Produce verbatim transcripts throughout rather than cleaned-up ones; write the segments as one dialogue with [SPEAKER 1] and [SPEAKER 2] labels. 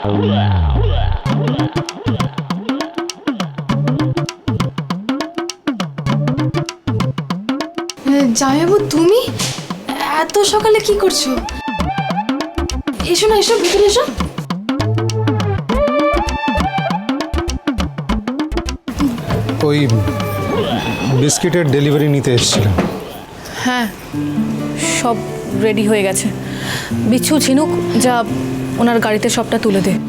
[SPEAKER 1] জামাইবাবু, তুমি এত সকালে কি করছো? এসো না, এসো ভিতরে এসো।
[SPEAKER 2] ওই বিস্কিটের ডেলিভারি নিতে এসেছিলাম।
[SPEAKER 3] হ্যাঁ, সব রেডি হয়ে গেছে। বিচ্ছু, ঝিনুক, যা ওনার গাড়িতে সবটা তুলে দে।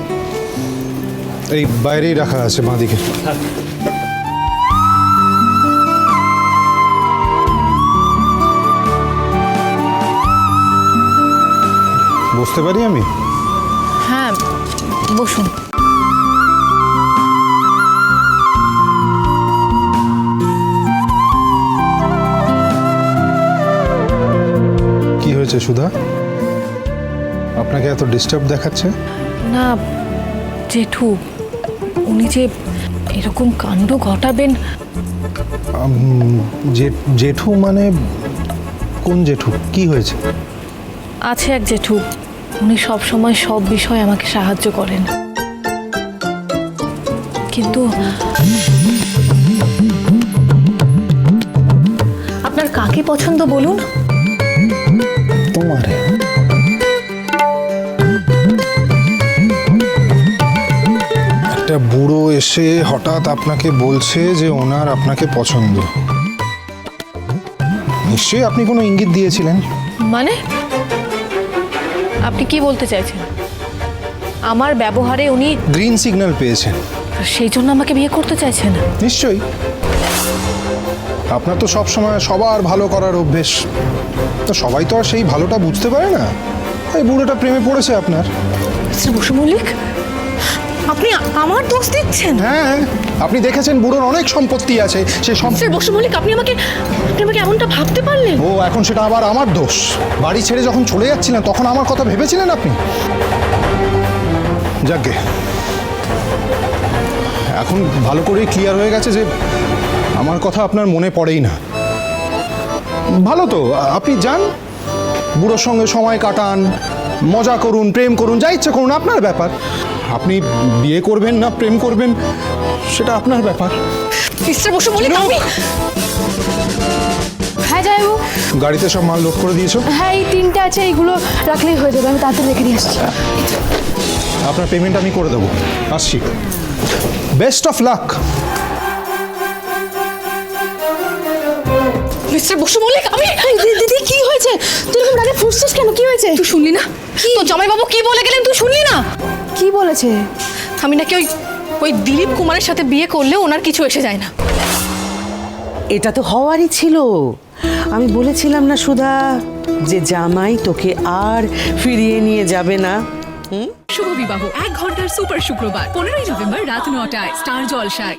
[SPEAKER 2] এই বাইরেই রাখা আছে বাঁদিকে। বুঝতে পারি আমি?
[SPEAKER 3] হ্যাঁ, বসুন।
[SPEAKER 2] কি হয়েছে সুধা? আপনাকে এত ডিস্টার্ব দেখাচ্ছে?
[SPEAKER 3] না জেঠু, উনি যে এরকম কাণ্ড ঘটাবেন।
[SPEAKER 2] জেঠু মানে কোন জেঠু? কি হয়েছে?
[SPEAKER 3] আছে এক জেঠু, উনি সব সময় সব বিষয়ে আমাকে সাহায্য করেন, কিন্তু আপনার কাকে পছন্দ বলুন?
[SPEAKER 2] তোমারে। একটা বুড়ো এসে হঠাৎ আপনাকে বলছে যে ওনার আপনাকে পছন্দ। নিশ্চয়ই আপনি কোনো ইঙ্গিত দিয়েছিলেন।
[SPEAKER 3] মানে আপনি কি বলতে চাইছেন? আমার ব্যবহারে উনি
[SPEAKER 2] গ্রিন সিগন্যাল পেয়েছেন,
[SPEAKER 3] সেই জন্য আমাকে বিয়ে করতে চাইছেন?
[SPEAKER 2] নিশ্চয়ই। আপনার তো সব সময় সবার ভালো করার অভ্যেস, তো সবাই তো আর সেই ভালোটা বুঝতে পারে না। এই বুড়োটা প্রেমে পড়েছে আপনার।
[SPEAKER 3] মিস্টার বসু মল্লিক, আপনি আমার দোষ দিচ্ছেন?
[SPEAKER 2] হ্যাঁ, আপনি দেখেছেন বুড়োর অনেক সম্পত্তি আছে, সে সব।
[SPEAKER 3] মিস্টার বসু মল্লিক, আপনি আমাকে আপনি আমাকে এমনটা ভাবতে পারলেন?
[SPEAKER 2] ও এখন সেটা আবার আমার দোষ? বাড়ি ছেড়ে যখন চলে যাচ্ছিলেন তখন আমার কথা ভেবেছিলেন আপনি? যাকগে, এখন ভালো করেই ক্লিয়ার হয়ে গেছে যে আমার কথা আপনার মনে পড়েই না। ভালো তো, আপনি যান, বুড়োর সঙ্গে সময় কাটান, মজা করুন, প্রেম করুন, যা ইচ্ছে করুন, আপনার ব্যাপার। আপনি বিয়ে করবেন না প্রেম করবেন সেটা আপনার ব্যাপার।
[SPEAKER 3] মিস্টার বসু মল্লিক, আমি
[SPEAKER 1] হ্যাঁ জামাইবাবু,
[SPEAKER 2] গাড়িতে সব মাল লোড করে দিয়েছো?
[SPEAKER 1] হ্যাঁ এই তিনটে আছে, এইগুলো রাখলেই হয়ে যাবে। আমি তাড়াতাড়ি রেখে দিয়ে আসছি।
[SPEAKER 2] আপনার পেমেন্ট আমি করে দেবো। আসছি, best of luck.
[SPEAKER 3] Mister Basu Mallick, আমি
[SPEAKER 1] দিদি কি হয়েছে? তুই এরকম রাগে ফুসছিস কেন? কি হয়েছে?
[SPEAKER 3] তুই শুনলি না? তো জামাইবাবু কি বলে গেলেন, তুই শুনলি না?
[SPEAKER 1] কি বলেছে?
[SPEAKER 3] আমি নাকি ওই ওই দিলীপ কুমারের সাথে বিয়ে করলে ওনার কিছু এসে যায় না।
[SPEAKER 4] এটা তো হওয়ারই ছিল। আমি বলেছিলাম না সুধা, যে জামাই তোকে আর ফিরিয়ে নিয়ে যাবে না।
[SPEAKER 5] শুভ বিবাহ এক ঘন্টার সুপার শুক্রবার পনেরোই নভেম্বর রাত নটায় স্টার জলসায়।